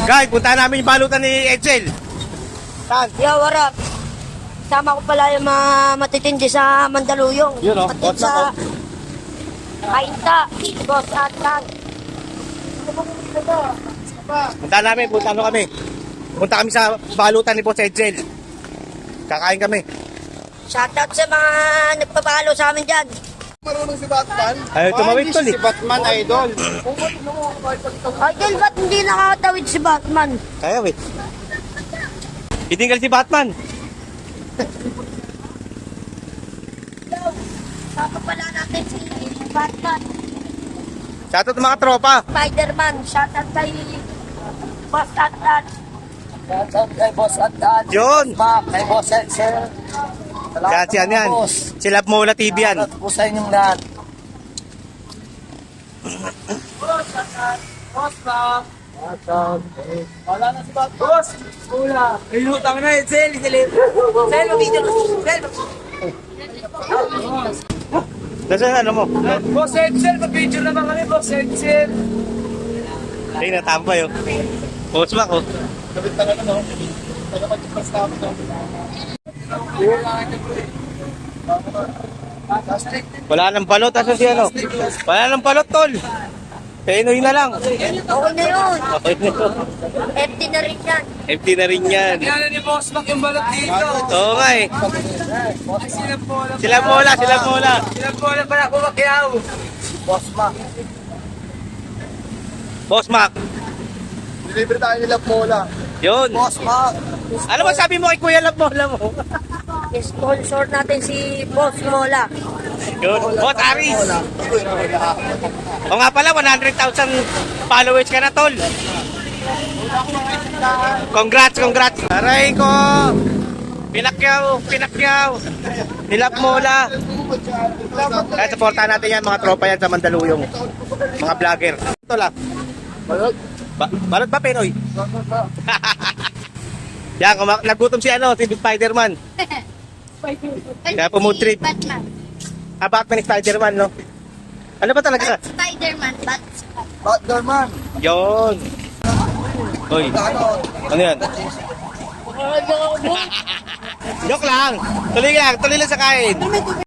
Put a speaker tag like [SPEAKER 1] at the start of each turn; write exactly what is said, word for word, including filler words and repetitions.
[SPEAKER 1] Guys, punta namin yung balutan ni Edsel. Saan?
[SPEAKER 2] Yo, what up? Sama ko pala yung mga matitindi sa Mandaluyong.
[SPEAKER 1] Yun, oh.
[SPEAKER 2] Matitindi
[SPEAKER 1] What's up,
[SPEAKER 2] sa Kainta, Boss Atan.
[SPEAKER 1] Punta namin, punta ano kami. Punta kami sa balutan ni Boss Edsel. Kakain kami.
[SPEAKER 2] Shoutout sa mga nagpapalo sa amin dyan.
[SPEAKER 3] Marunong si Batman?
[SPEAKER 1] Ay, tumawid tol eh.
[SPEAKER 3] Si Batman, idol.
[SPEAKER 2] Idol, ba't hindi nakatawid si Batman?
[SPEAKER 1] Kaya wait. Itinggal si Batman.
[SPEAKER 2] Sama pala natin si Batman.
[SPEAKER 1] Shoutout mga tropa.
[SPEAKER 2] Spider-Man, shoutout kay Boss Atan.
[SPEAKER 4] Shoutout kay Boss Atan.
[SPEAKER 1] Yun.
[SPEAKER 4] Mac, kay Boss Edsel.
[SPEAKER 1] Yan, yan, yan.
[SPEAKER 4] Boss.
[SPEAKER 1] Si Love Mola T V yan.
[SPEAKER 4] Shoutout po sa inyong lahat.
[SPEAKER 3] Boss Mac. Wala na si Batman. Boss! Wala. Ay, utang na eh. Sel, sel. Sel, mag-video. Sel.
[SPEAKER 1] Nasaan ano mo?
[SPEAKER 3] Boss Edsel, mag-video naman kami, Boss Edsel.
[SPEAKER 1] Ay, natambay oh. Boss Mac oh.
[SPEAKER 3] Kapit talaga, no? Taga mag-ipas namin, no?
[SPEAKER 1] Wala nang balot. Asan si ano? Wala nang balot tol. Penoy na lang.
[SPEAKER 2] Okay na yun.
[SPEAKER 1] Okay na yun.
[SPEAKER 2] Empty na rin yan.
[SPEAKER 1] Empty na rin yan.
[SPEAKER 3] Kaya ni Boss Mac yung balot dito.
[SPEAKER 1] Oo nga eh.
[SPEAKER 3] Ay, sila po lang.
[SPEAKER 1] Sila Mola, sila Mola.
[SPEAKER 3] Sila po lang pala kumakyaw.
[SPEAKER 4] Boss Mac.
[SPEAKER 1] Boss Mac.
[SPEAKER 3] Deliver tayo nila Mola.
[SPEAKER 1] Yun.
[SPEAKER 4] Boss Mac.
[SPEAKER 1] Ano ba sabi mo kay Kuya Love Mola mo?
[SPEAKER 2] Sponsor natin si Boss Mola.
[SPEAKER 1] Yun. Boss Aris. O nga pala, one hundred thousand followers ka na tol. Congrats, congrats. Aray ko. Pinakyaw, pinakyaw. Nilap Mola. Kaya supportahan natin yan, mga tropa yan sa Mandaluyong. Mga vlogger. Ito lang.
[SPEAKER 3] Balot.
[SPEAKER 1] Ba balot ba, Penoy? Yan, kuma- nagutom si ano, si Spider-Man. Kaya pumutrip.
[SPEAKER 2] Batman.
[SPEAKER 1] Ah, Batman ni Spider-Man, no? Ano ba talaga?
[SPEAKER 2] Spider-Man, Bat.
[SPEAKER 3] Batman.
[SPEAKER 1] Yun. Hoy. Ano yan? Joke lang. Tuloy lang. Tuloy lang sa kain.